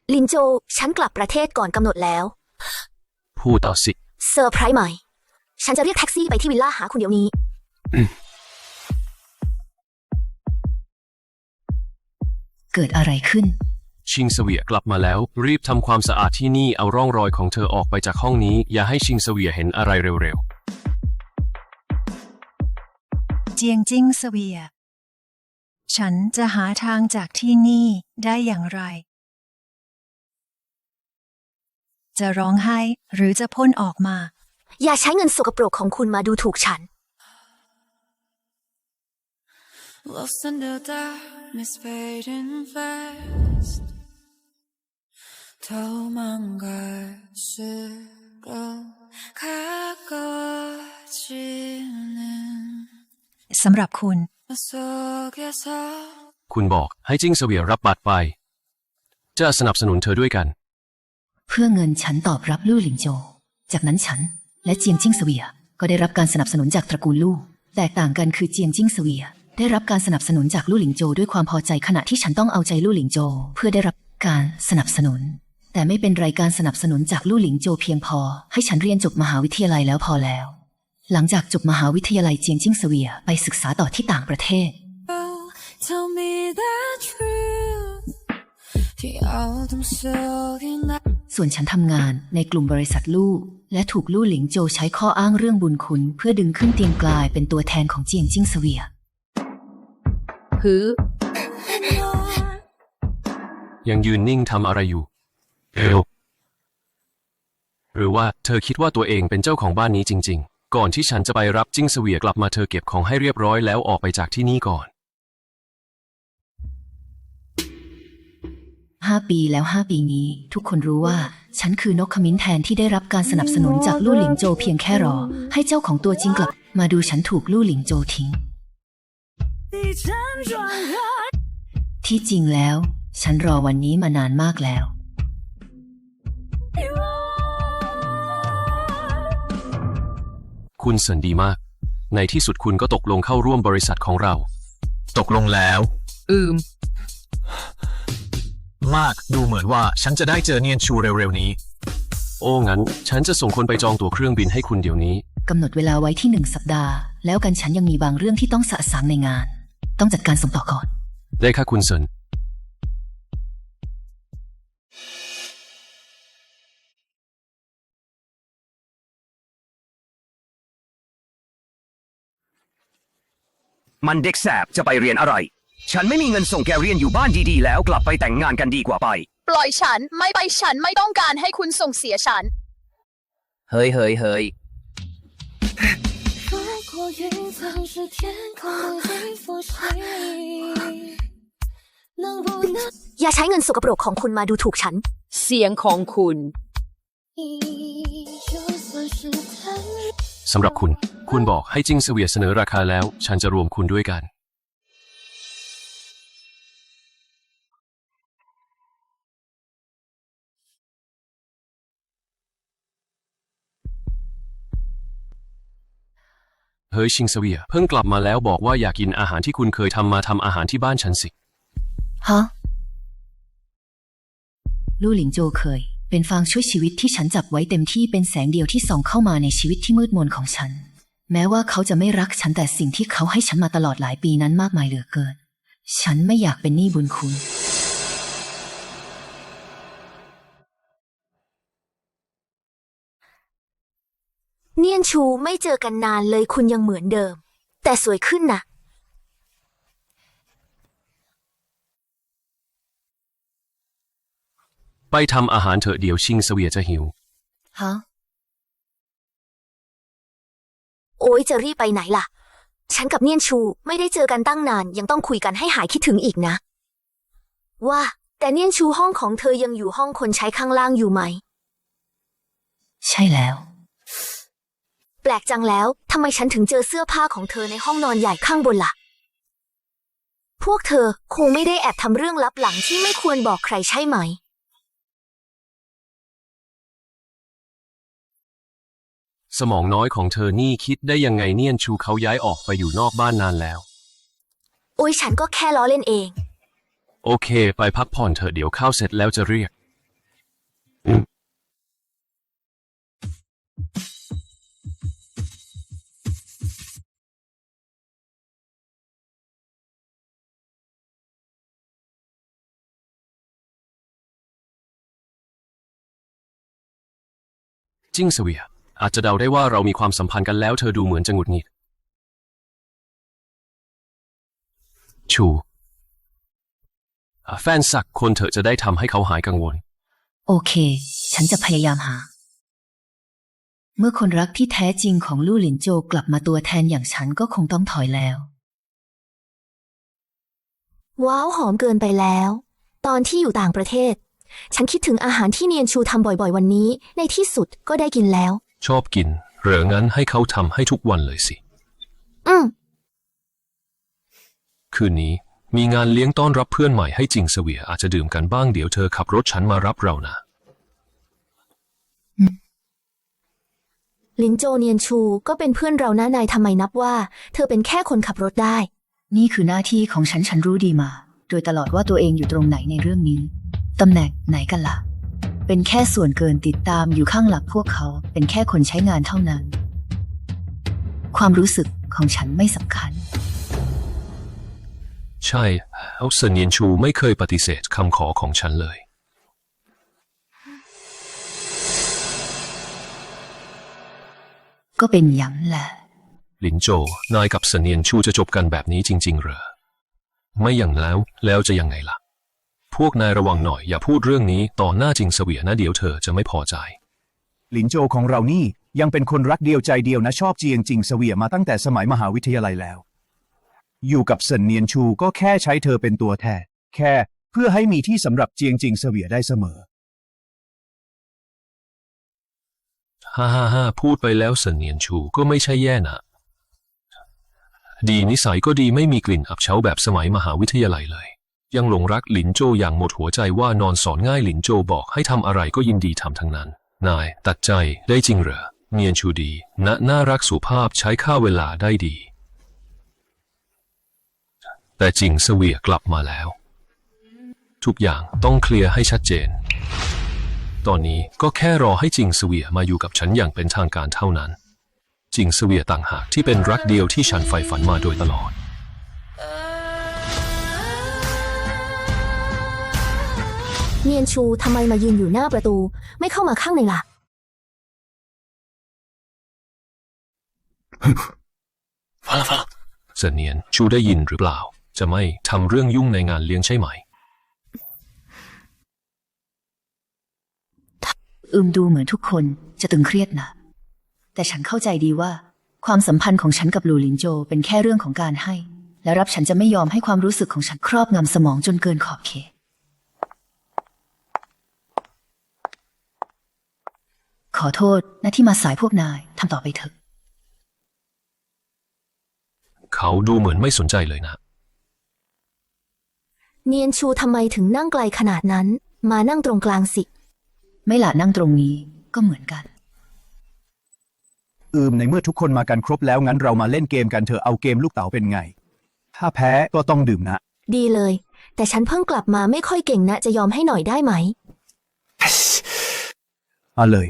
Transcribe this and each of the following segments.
ลินโจฉันกลับประเทศก่อนกำหนดแล้วพูดต่อสิเซอร์ไพรส์ใหม่ฉันจะเรียกแท็กซี่ไปที่วิลล่าหาคุณเดี๋ยวนี้เกิดอะไรขึ้นชิงเสวียกลับมาแล้วรีบทำความสะอาดที่นี่เอาร่องรอยของเธอออกไปจากห้องนี้อย่าให้ชิงเสวียเห็นอะไรเร็วเจียงจิ้งเสวียฉันจะหาทางจากที่นี่ได้อย่างไรจะร้องไห้หรือจะพ่นออกมาอย่าใช้เงินสกปรกของคุณมาดูถูกฉันสำหรับคุณคุณบอกให้จิ้งเสวียรับบัตรไปจะสนับสนุนเธอด้วยกันเพื่อเงินฉันตอบรับลู่หลิงโจจากนั้นฉันและเจียงจิ้งเสวียก็ได้รับการสนับสนุนจากตระกูลลู่แตกต่างกันคือเจียงจิ้งเสวียได้รับการสนับสนุนจากลู่หลิงโจด้วยความพอใจขณะที่ฉันต้องเอาใจลู่หลิงโจเพื่อได้รับการสนับสนุนแต่ไม่เป็นไรการสนับสนุนจากลู่หลิงโจเพียงพอให้ฉันเรียนจบมหาวิทยาลัยแล้วพอแล้วหลังจากจบมหาวิทยาลัยเจียงจิ้งเสวียไปศึกษาต่อที่ต่างประเทศส่วนฉันทำงานในกลุ่มบริษัทลู่และถูกลู่หลิงโจใช้ข้ออ้างเรื่องบุญคุณเพื่อดึงขึ้นเตียงกลายเป็นตัวแทนของเจียงจิ้งเสวียยังยืนนิ่งทำอะไรอยู่เร็วหรือว่าเธอคิดว่าตัวเองเป็นเจ้าของบ้านนี้จริงๆก่อนที่ฉันจะไปรับจิ้งเสวียกลับมาเธอเก็บของให้เรียบร้อยแล้วออกไปจากที่นี่ก่อน 5 ปีแล้ว5 ปีนี้ทุกคนรู้ว่าฉันคือนกขมิ้นแทนที่ได้รับการสนับสนุนจากลู่หลิงโจเพียงแค่รอให้เจ้าของตัวจริงกลับมาดูฉันถูกลู่หลิงโจทิ้งที่จริงแล้วฉันรอวันนี้มานานมากแล้วคุณเสินดีมากในที่สุดคุณก็ตกลงเข้าร่วมบริษัทของเราตกลงแล้วมากดูเหมือนว่าฉันจะได้เจอเนียนชูเร็วๆนี้โอ้งั้นฉันจะส่งคนไปจองตั๋วเครื่องบินให้คุณเดี๋ยวนี้กำหนดเวลาไว้ที่1 สัปดาห์แล้วกันฉันยังมีบางเรื่องที่ต้องสะสางในงานต้องจัดการส่งต่อก่อนได้ค่ะคุณเซินมันเด็กแสบจะไปเรียนอะไรฉันไม่มีเงินส่งแกเรียนอยู่บ้านดีๆแล้วกลับไปแต่งงานกันดีกว่าไปปล่อยฉันไม่ไปฉันไม่ต้องการให้คุณส่งเสียฉันเฮ้ยอย่าใช้เงินสกปรกของคุณมาดูถูกฉันเสียงของคุณสำหรับคุณบอกให้จิ้งเสวียเสนอราคาแล้วฉันจะรวมคุณด้วยกันเฮ้ยชิงเสวียเพิ่งกลับมาแล้วบอกว่าอยากกินอาหารที่คุณเคยทำมาทำอาหารที่บ้านฉันสิฮะลู่หลิงโจเคยเป็นฟางช่วยชีวิตที่ฉันจับไว้เต็มที่เป็นแสงเดียวที่ส่องเข้ามาในชีวิตที่มืดมนของฉันแม้ว่าเขาจะไม่รักฉันแต่สิ่งที่เขาให้ฉันมาตลอดหลายปีนั้นมากมายเหลือเกินฉันไม่อยากเป็นหนี้บุญคุณเนียนชูไม่เจอกันนานเลยคุณยังเหมือนเดิมแต่สวยขึ้นนะไปทำอาหารเถอะเดี๋ยวชิงเสวียจะหิวฮะโอ๊ยจะรีบไปไหนล่ะฉันกับเนียนชูไม่ได้เจอกันตั้งนานยังต้องคุยกันให้หายคิดถึงอีกนะว่าแต่เนียนชูห้องของเธอยังอยู่ห้องคนใช้ข้างล่างอยู่ไหมใช่แล้วแปลกจังแล้วทำไมฉันถึงเจอเสื้อผ้าของเธอในห้องนอนใหญ่ข้างบนล่ะพวกเธอคงไม่ได้แอบทำเรื่องลับหลังที่ไม่ควรบอกใครใช่ไหมสมองน้อยของเธอนี่คิดได้ยังไงเนียนชูเขาย้ายออกไปอยู่นอกบ้านนานแล้วโอ้ยฉันก็แค่ล้อเล่นเองโอเคไปพักผ่อนเถอะเดี๋ยวข้าวเสร็จแล้วจะเรียกจิ้งเสวียอาจจะเดาได้ว่าเรามีความสัมพันธ์กันแล้วเธอดูเหมือนจะหงุดหงิดชูแฟนสักคนเถอะจะได้ทำให้เขาหายกังวลโอเค ฉันจะพยายามหา เมื่อคนรักที่แท้จริงของลู่หลินโจกลับมาตัวแทนอย่างฉันก็คงต้องถอยแล้วว้าวหอมเกินไปแล้ว ตอนที่อยู่ต่างประเทศ ฉันคิดถึงอาหารที่เนียนชูทำบ่อยๆวันนี้ ในที่สุดก็ได้กินแล้วชอบกินเหรืองั้นให้เขาทำให้ทุกวันเลยสิอืมคืนนี้มีงานเลี้ยงต้อนรับเพื่อนใหม่ให้จิงเสวียอาจจะดื่มกันบ้างเดี๋ยวเธอขับรถฉันมารับเรานะลินโจเนียนชูก็เป็นเพื่อนเรานะนายทำไมนับว่า เธอเป็นแค่คนขับรถได้นี่คือหน้าที่ของฉันรู้ดีมา โดยตลอดว่าตัวเองอยู่ตรงไหนในเรื่องนี้ ตำแหน่งไหนกันล่ะ เป็นแค่ส่วนเกินติดตามอยู่ข้างหลังพวกเขา เป็นแค่คนใช้งานเท่านั้น ความรู้สึกของฉันไม่สำคัญใช่แล้วเซินเยียนชูไม่เคยปฏิเสธคำขอของฉันเลยก็เป็นอย่างแหละลินโจนายกับเซินเยียนชูจะจบกันแบบนี้จริงๆเหรอไม่อย่างแล้วจะยังไงล่ะ พวกนายระวังหน่อยอย่าพูดเรื่องนี้ต่อหน้าจิงเสวียนะเดี๋ยวเธอจะไม่พอใจหลินโจของเรานี่ยังเป็นคนรักเดียวใจเดียวนะชอบเจียงจิงเสวียมาตั้งแต่สมัยมหาวิทยาลัยแล้ว อยู่กับเซินเนียนชูก็แค่ใช้เธอเป็นตัวแทนแค่เพื่อให้มีที่สำหรับเจียงจิงเสวียได้เสมอฮ่าพูดไปแล้วเซินเนียนชูก็ไม่ใช่แย่นะดีนิสัยก็ดีไม่มีกลิ่นอับเฉาแบบสมัยมหาวิทยาลัยเลยยังหลงรักหลินโจอย่างหมดหัวใจว่านอนสอนง่ายหลินโจบอกให้ทำอะไรก็ยินดีทำทั้งนั้นนายตัดใจได้จริงเหรอเนียนชูดีน่ารักสุภาพใช้ค่าเวลาได้ดีแต่จิงเสวียกลับมาแล้วทุกอย่างต้องเคลียร์ให้ชัดเจนตอนนี้ก็แค่รอให้จิงเสวียมาอยู่กับฉันอย่างเป็นทางการเท่านั้นจิงเสวียต่างหากที่เป็นรักเดียวที่ฉันใฝ่ฝันมาโดยตลอดเนียนชูทำไมมายืนอยู่หน้าประตู ไม่เข้ามาข้างในล่ะเสนียนชูได้ยินหรือเปล่าจะไม่ทำเรื่องยุ่งในงานเลี้ยงใช่ไหมดูเหมือนทุกคนจะตึงเครียดนะ แต่ฉันเข้าใจดีว่า ความสัมพันธ์ของฉันกับหลู่หลินโจเป็นแค่เรื่องของการให้ และรับฉันจะไม่ยอมให้ความรู้สึกของฉันครอบงำสมองจนเกินขอบเขต ขอโทษนะที่มาสายพวกนายทำต่อไปเถอะเขาดูเหมือนไม่สนใจเลยนะเนียนชูทำไมถึงนั่งไกลขนาดนั้น มานั่งตรงกลางสิไม่ละนั่งตรงนี้ก็เหมือนกันในเมื่อทุกคนมากันครบแล้วงั้นเรามาเล่นเกมกันเถอะเอาเกมลูกเต๋าเป็นไง ถ้าแพ้ก็ต้องดื่มนะดีเลย แต่ฉันเพิ่งกลับมาไม่ค่อยเก่งนะจะยอมให้หน่อยได้ไหมเอาเลย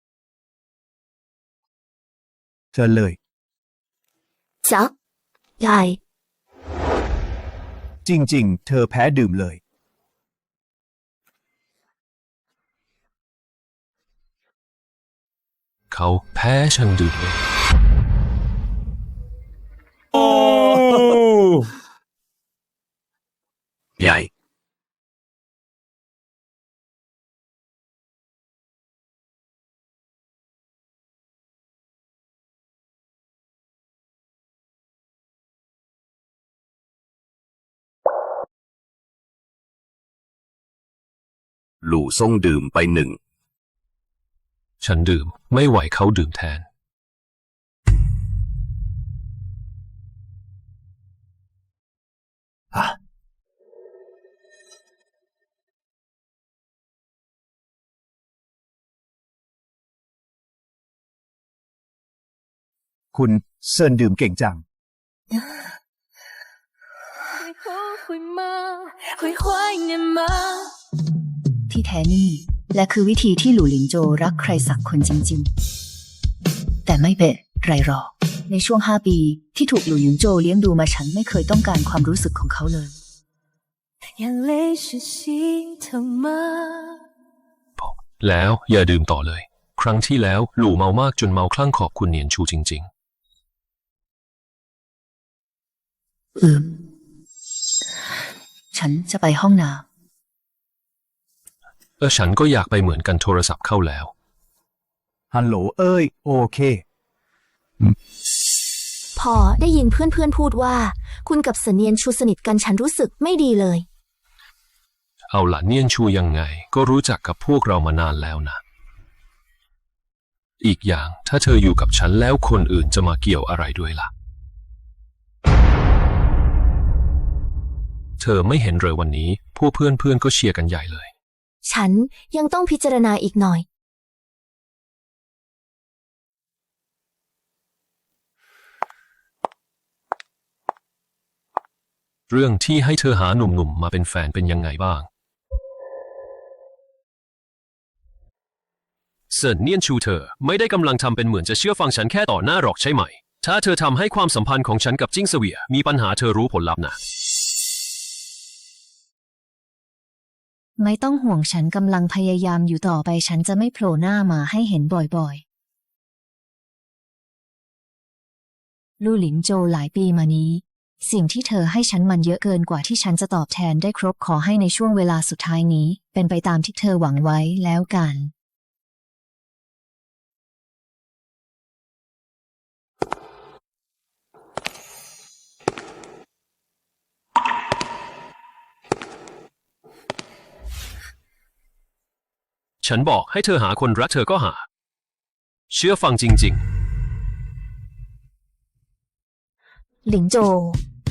เชิญเลยจ๊ะยายจริงๆ เธอแพ้ดื่มเลยเขาแพ้ฉันดื่มเลยใหญ่ หลู่ซ่งดื่มไปหนึ่งฉันดื่มไม่ไหวเขาดื่มแทนคุณเซินดื่มเก่งจังที่แท้นี่และคือวิธีที่หลู่หลินโจวรักใครสักคนจริงๆ แต่ไม่เป็นไรหรอกในช่วง5 ปีที่ถูกหลู่หลินโจวเลี้ยงดูมาฉันไม่เคยต้องการความรู้สึกของเขาเลย眼泪是心疼吗？ แล้วอย่าดื่มต่อเลย ครั้งที่แล้วหลู่เมามากจนเมาคลั่งขอบคุณเหนียนชูจริงๆฉันจะไปห้องน้ฉันก็อยากไปเหมือนกันโทรศัพท์เข้าแล้วฮัลโหลเอ้ยโอเคพอได้ยินเพื่อนๆพูดว่า คุณกับเสนียนชูสนิทกันฉันรู้สึกไม่ดีเลยเอาล่ะเนียนชูยังไงก็รู้จักกับพวกเรามานานแล้วนะ อีกอย่างถ้าเธออยู่กับฉันแล้วคนอื่นจะมาเกี่ยวอะไรด้วยล่ะ เธอไม่เห็นเลยวันนี้พวกเพื่อนๆก็เชียร์กันใหญ่เลยฉันยังต้องพิจารณาอีกหน่อยเรื่องที่ให้เธอหาหนุ่มๆมาเป็นแฟนเป็นยังไงบ้างเซินเนียนชูเธอไม่ได้กำลังทำเป็นเหมือนจะเชื่อฟังฉันแค่ต่อหน้าหรอกใช่ไหม ถ้าเธอทำให้ความสัมพันธ์ของฉันกับจิ้งเสวียมีปัญหาเธอรู้ผลลัพธ์นะำไม่ต้องห่วงฉันกำลังพยายามอยู่ต่อไปฉันจะไม่โผล่หน้ามาให้เห็นบ่อยๆ ลู่หลินโจวหลายปีมานี้สิ่งที่เธอให้ฉันมันเยอะเกินกว่าที่ฉันจะตอบแทนได้ครบขอให้ในช่วงเวลาสุดท้ายนี้เป็นไปตามที่เธอหวังไว้แล้วกันฉันบอกให้เธอหาคนรักเธอก็หา เชื่อฟังจริงๆหลิงโจว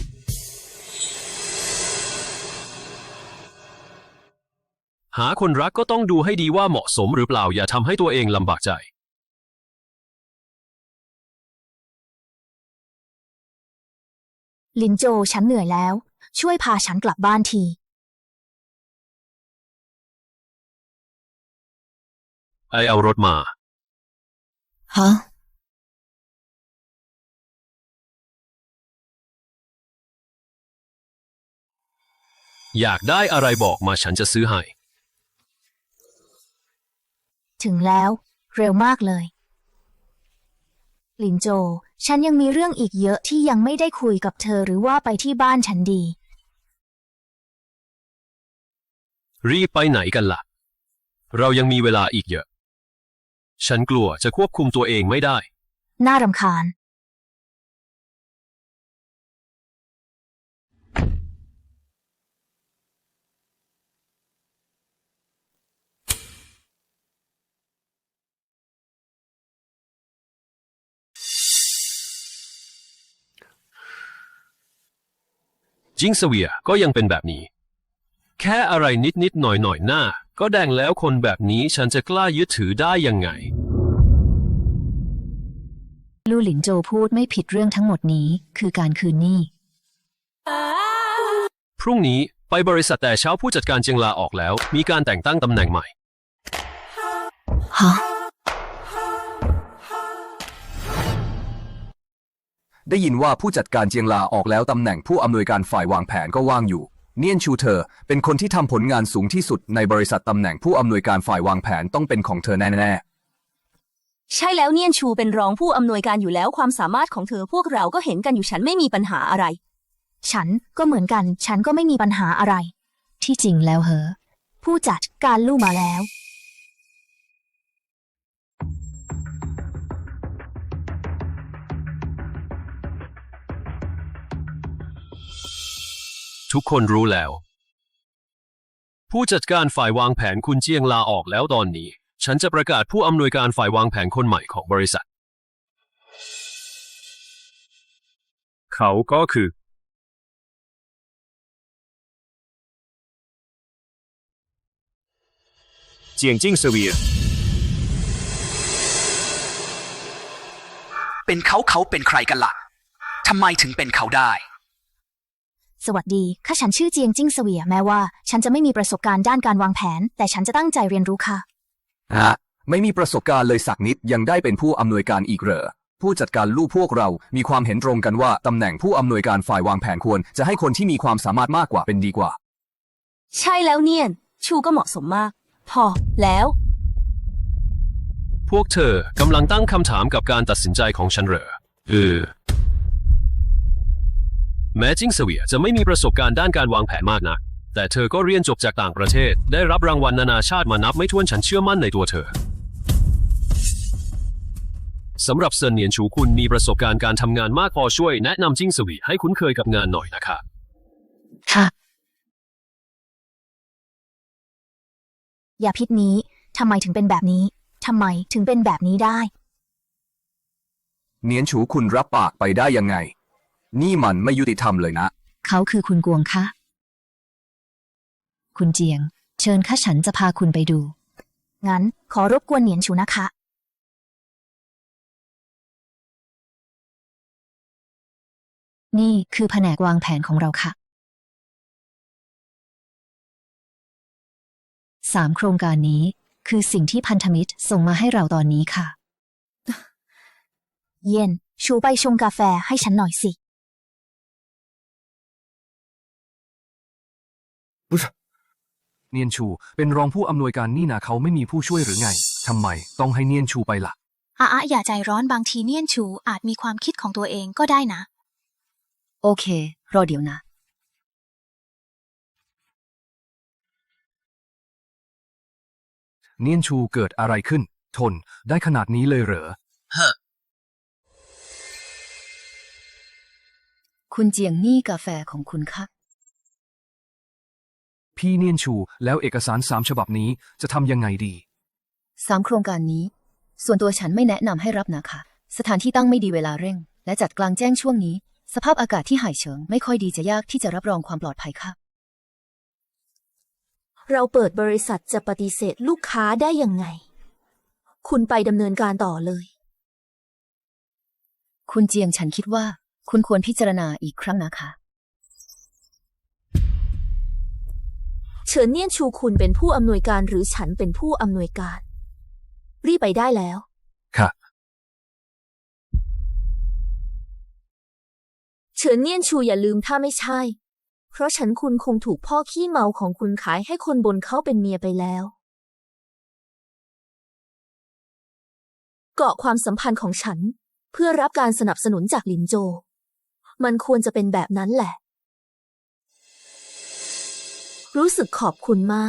หาคนรักก็ต้องดูให้ดีว่าเหมาะสมหรือเปล่าอย่าทำให้ตัวเองลำบากใจหลินโจวฉันเหนื่อยแล้ว ช่วยพาฉันกลับบ้านทีเอารถมาฮะอยากได้อะไรบอกมาฉันจะซื้อให้ถึงแล้ว เร็วมากเลย หลินโจวฉันยังมีเรื่องอีกเยอะที่ยังไม่ได้คุยกับเธอหรือว่าไปที่บ้านฉันดีรีบไปไหนกันล่ะ เรายังมีเวลาอีกเยอะ ฉันกลัวจะควบคุมตัวเองไม่ได้น่ารำคาญจิ้งเสวียก็ยังเป็นแบบนี้ แค่อะไรนิดๆหน่อยๆหน้าก็แดงแล้วคนแบบนี้ฉันจะกล้ายึดถือได้ยังไงลู่หลินโจวพูดไม่ผิดเรื่องทั้งหมดนี้คือการคืนหนี้พรุ่งนี้ไปบริษัทแต่เช้าผู้จัดการเจียงลาออกแล้วมีการแต่งตั้งตำแหน่งใหม่ฮะได้ยินว่าผู้จัดการเจียงลาออกแล้วตำแหน่งผู้อำนวยการฝ่ายวางแผนก็ว่างอยู่ เนียนชูเธอเป็นคนที่ทำผลงานสูงที่สุดในบริษัทตำแหน่งผู้อำนวยการฝ่ายวางแผนต้องเป็นของเธอแน่ๆใช่แล้วเนียนชูเป็นรองผู้อำนวยการอยู่แล้วความสามารถของเธอพวกเราก็เห็นกันอยู่ฉันไม่มีปัญหาอะไรฉันก็เหมือนกัน ฉันก็ไม่มีปัญหาอะไรที่จริงแล้วเหรอผู้จัดการลู่มาแล้วทุกคนรู้แล้ว ผู้จัดการฝ่ายวางแผนคุณเจียงลาออกแล้วตอนนี้ฉันจะประกาศผู้อำนวยการฝ่ายวางแผนคนใหม่ของบริษัท เขาก็คือเจียงจิ้งเสวียเป็นเขาเป็นใครกันล่ะ ทำไมถึงเป็นเขาได้สวัสดีค่ะฉันชื่อเจียงจิ้งเสวียแม้ว่าฉันจะไม่มีประสบการณ์ด้านการวางแผน แต่ฉันจะตั้งใจเรียนรู้ค่ะไม่มีประสบการณ์เลยสักนิดยังได้เป็นผู้อำนวยการอีกเหรอผู้จัดการลูกพวกเรามีความเห็นตรงกันว่าตำแหน่งผู้อำนวยการฝ่ายวางแผนควรจะให้คนที่มีความสามารถมากกว่าเป็นดีกว่าใช่แล้วเนียน ชูก็เหมาะสมมาก พอแล้วพวกเธอกำลังตั้งคำถามกับการตัดสินใจของฉันเหรอแม้จิ้งเสวียจะไม่มีประสบการณ์ด้านการวางแผนมากนักแต่เธอก็เรียนจบจากต่างประเทศได้รับรางวัลนานาชาติมานับไม่ถ้วนฉันเชื่อมั่นในตัวเธอสำหรับเซินเนียนชูคุณมีประสบการณ์การทำงานมากพอช่วยแนะนำจิ้งเสวีให้คุ้นเคยกับงานหน่อยนะคะค่ะอย่าพิษนี้ทำไมถึงเป็นแบบนี้ทำไมถึงเป็นแบบนี้ได้เนียนฉูคุณรับปากไปได้ยังไง นี่มันไม่ยุติธรรมเลยนะเขาคือคุณกวงค่ะ คุณเจียง เชิญค่ะฉันจะพาคุณไปดูงั้นขอรบกวนเหนียนชูนะคะนี่คือแผนกวางแผนของเราค่ะ 3 โครงการนี้คือสิ่งที่พันธมิตรส่งมาให้เราตอนนี้ค่ะเย็นชูไปชงกาแฟให้ฉันหน่อยสิเนียนชูเป็นรองผู้อำนวยการนี่นะเขาไม่มีผู้ช่วยหรือไงทำไมต้องให้เนียนชูไปล่ะอย่าใจร้อนบางทีเนียนชูอาจมีความคิดของตัวเองก็ได้นะโอเค รอเดี๋ยวนะเนียนชูเกิดอะไรขึ้น ทนได้ขนาดนี้เลยเหรอคุณเจียงนี่กาแฟของคุณค่ะพี่เนียนชูแล้วเอกสาร3 ฉบับนี้จะทำยังไงดี 3 โครงการนี้ ส่วนตัวฉันไม่แนะนำให้รับนะคะ สถานที่ตั้งไม่ดีเวลาเร่ง และจัดกลางแจ้งช่วงนี้ สภาพอากาศที่ห่ายเฉิงไม่ค่อยดีจะยากที่จะรับรองความปลอดภัยค่ะเราเปิดบริษัทจะปฏิเสธลูกค้าได้ยังไง คุณไปดำเนินการต่อเลยคุณเจียงฉันคิดว่า คุณควรพิจารณาอีกครั้งนะคะเฉินเนียนชูคุณเป็นผู้อำนวยการหรือฉันเป็นผู้อำนวยการ รีบไปได้แล้วค่ะเฉินเนียนชูอย่าลืมถ้าไม่ใช่ เพราะฉันคุณคงถูกพ่อขี้เมาของคุณขายให้คนบนเขาเป็นเมียไปแล้ว เกาะความสัมพันธ์ของฉัน เพื่อรับการสนับสนุนจากหลินโจ มันควรจะเป็นแบบนั้นแหละ รู้สึกขอบคุณมาก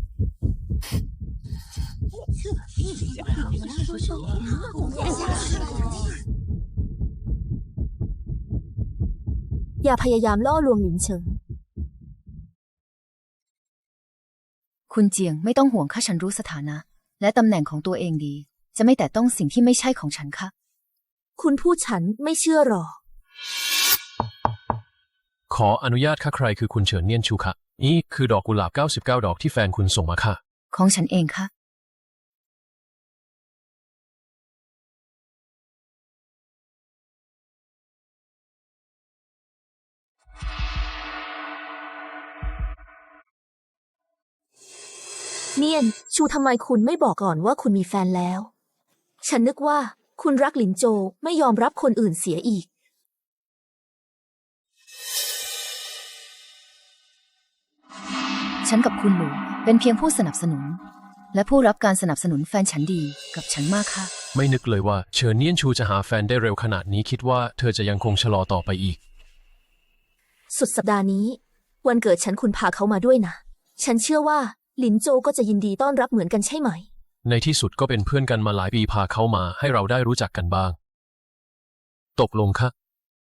อย่าพยายามล่อลวงหลินเฉิงคุณเจียงไม่ต้องห่วงค่ะฉันรู้สถานะ และตำแหน่งของตัวเองดี จะไม่แตะต้องสิ่งที่ไม่ใช่ของฉันค่ะคุณพูดฉันไม่เชื่อหรอกขออนุญาตค่ะใครคือคุณเฉินเนียนชูคะนี่คือดอกกุหลาบ99 ดอกที่แฟนคุณส่งมาค่ะของฉันเองค่ะเนียนชูทำไมคุณไม่บอกก่อนว่าคุณมีแฟนแล้ว ฉันนึกว่าคุณรักหลินโจไม่ยอมรับคนอื่นเสียอีกฉันกับคุณหนูเป็นเพียงผู้สนับสนุน และผู้รับการสนับสนุนแฟนฉันดีกับฉันมากค่ะไม่นึกเลยว่าเฉินเนียนชูจะหาแฟนได้เร็วขนาดนี้คิดว่าเธอจะยังคงชะลอต่อไปอีกสุดสัปดาห์นี้ วันเกิดฉันคุณพาเขามาด้วยนะ ฉันเชื่อว่าหลินโจก็จะยินดีต้อนรับเหมือนกันใช่ไหมในที่สุดก็เป็นเพื่อนกันมาหลายปีพาเขามาให้เราได้รู้จักกันบ้าง ตกลงค่ะ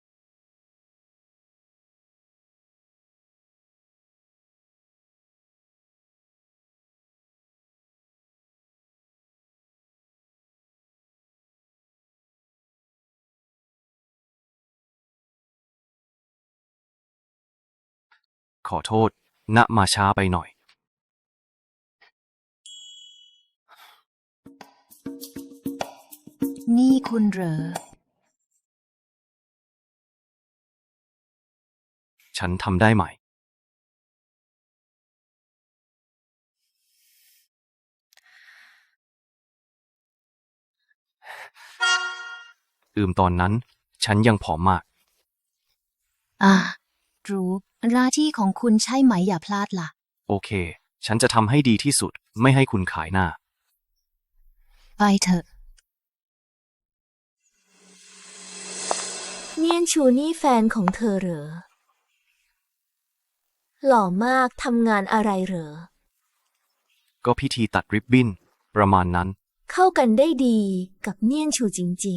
ขอโทษ ณ มาช้าไปหน่อยนี่คุณเหรอฉันทำได้ไหมตอนนั้น ฉันยังผอมมากรู้หน้าที่ของคุณใช่ไหมอย่าพลาดล่ะโอเค ฉันจะทำให้ดีที่สุด ไม่ให้คุณขายหน้าไปเถอะเนียนชูนี่แฟนของเธอเหรอ หล่อมากทำงานอะไรเหรอก็พิธีตัดริบบิ้น ประมาณนั้นเข้ากันได้ดีกับเนียนชูจริง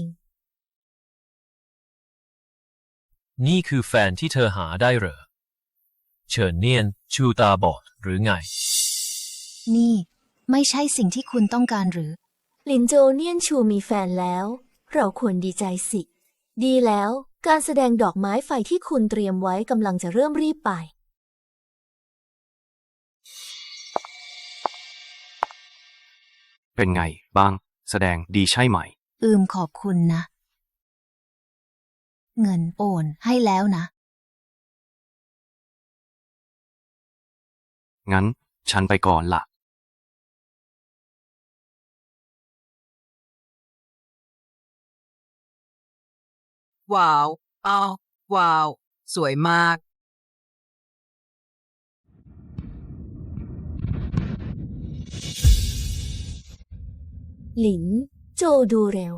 นี่คือแฟนที่เธอหาได้เหรอ เฉินเนียนชูตาบอดหรือไงนี่ ไม่ใช่สิ่งที่คุณต้องการหรือๆ หลินโจวเนียนชูมีแฟนแล้ว เราควรดีใจสิ ดีแล้วการแสดงดอกไม้ไฟที่คุณเตรียมไว้กำลังจะเริ่มรีบไปเป็นไงบ้าง แสดงดีใช่ไหมขอบคุณนะ เงินโอนให้แล้วนะงั้น ฉันไปก่อนละว้าว อ้าว ว้าว สวยมากหลินโจวดูเร็ว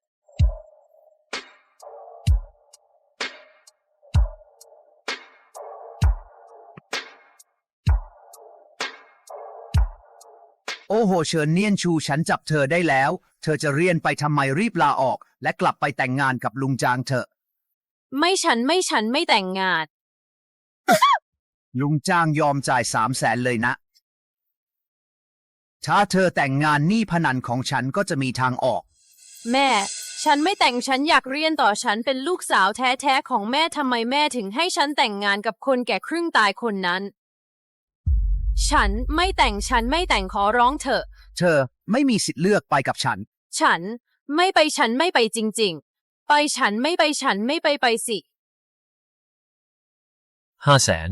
โอ้โหเฉินเนียนชูฉันจับเธอได้แล้ว เธอจะเรียนไปทำไมรีบลาออก และกลับไปแต่งงานกับลุงจางเถอะไม่ฉันไม่แต่งงานลุงจ้างยอมจ่าย300,000เลยนะ ถ้าเธอแต่งงานหนี้พนันของฉันก็จะมีทางออกแม่ ฉันไม่แต่งฉันอยากเรียนต่อฉันเป็นลูกสาวแท้ๆของแม่ทำไมแม่ถึงให้ฉันแต่งงานกับคนแก่ครึ่งตายคนนั้น ฉันไม่แต่งขอร้องเถอะเธอไม่มีสิทธิ์เลือกไปกับฉันฉันไม่ไปจริงๆ ฉันไม่ไปสิ 500,000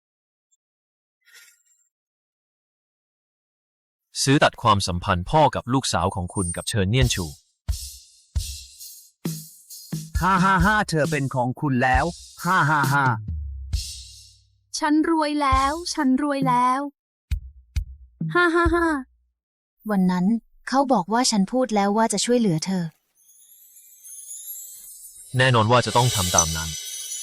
ซื้อตัดความสัมพันธ์พ่อกับลูกสาวของคุณกับเฉินเนียนชู 555เธอเป็นของคุณแล้ว 555 ฉันรวยแล้ว วันนั้นเขาบอกว่าฉันพูดแล้วว่าจะช่วยเหลือเธอแน่นอนว่าจะต้องทำตามนั้น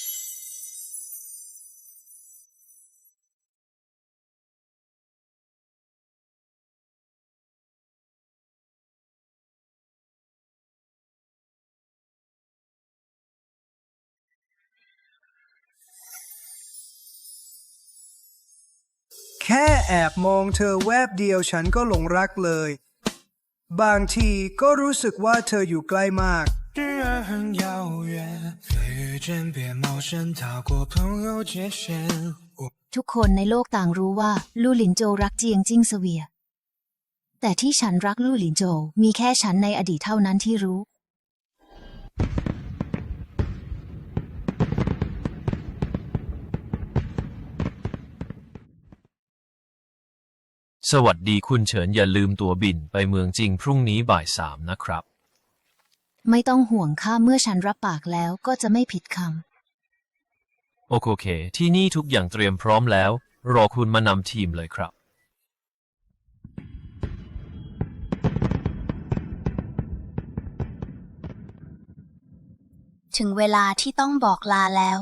แค่แอบมองเธอแวบเดียวฉันก็หลงรักเลย บางทีก็รู้สึกว่าเธออยู่ใกล้มากทุกคนในโลกต่างรู้ว่าลู่หลินโจวรักเจียงจิ้งเสวีย แต่ที่ฉันรักลู่หลินโจวมีแค่ฉันในอดีตเท่านั้นที่รู้สวัสดีคุณเฉินอย่าลืมตั๋วบินไปเมืองจริงพรุ่งนี้บ่าย 3นะครับไม่ต้องห่วงค่ะเมื่อฉันรับปากแล้วก็จะไม่ผิดคำโอเค ที่นี่ทุกอย่างเตรียมพร้อมแล้ว รอคุณมานำทีมเลยครับถึงเวลาที่ต้องบอกลาแล้ว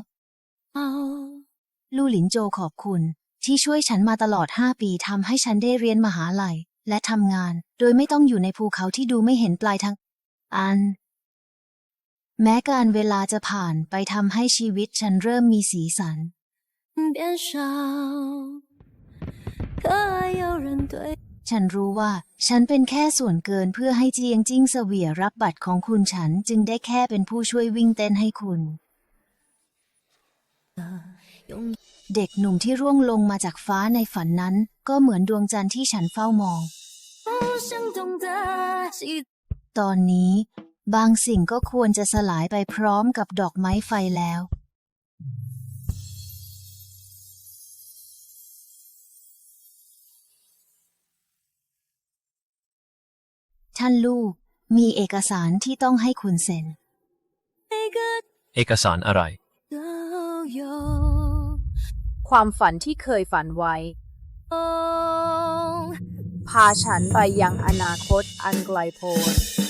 ลู่หลินโจวขอบคุณที่ช่วยฉันมาตลอด5 ปีทำให้ฉันได้เรียนมหาลัยและทำงาน โดยไม่ต้องอยู่ในภูเขาที่ดูไม่เห็นปลายทางแม้การเวลาจะผ่านไปทำให้ชีวิตฉันเริ่มมีสีสัน ฉันรู้ว่าฉันเป็นแค่ส่วนเกินเพื่อให้เจียงจิ้งเสวียรับบัตรของคุณฉันจึงได้แค่เป็นผู้ช่วยวิ่งเต้นให้คุณ เด็กหนุ่มที่ร่วงลงมาจากฟ้าในฝันนั้นก็เหมือนดวงจันทร์ที่ฉันเฝ้ามอง ตอนนี้บางสิ่งก็ควรจะสลายไปพร้อมกับดอกไม้ไฟแล้ว ท่านลูกมีเอกสารที่ต้องให้คุณเซ็นเอกสารอะไรความฝันที่เคยฝันไว้ พาฉันไปยังอนาคตอันไกลโพ้น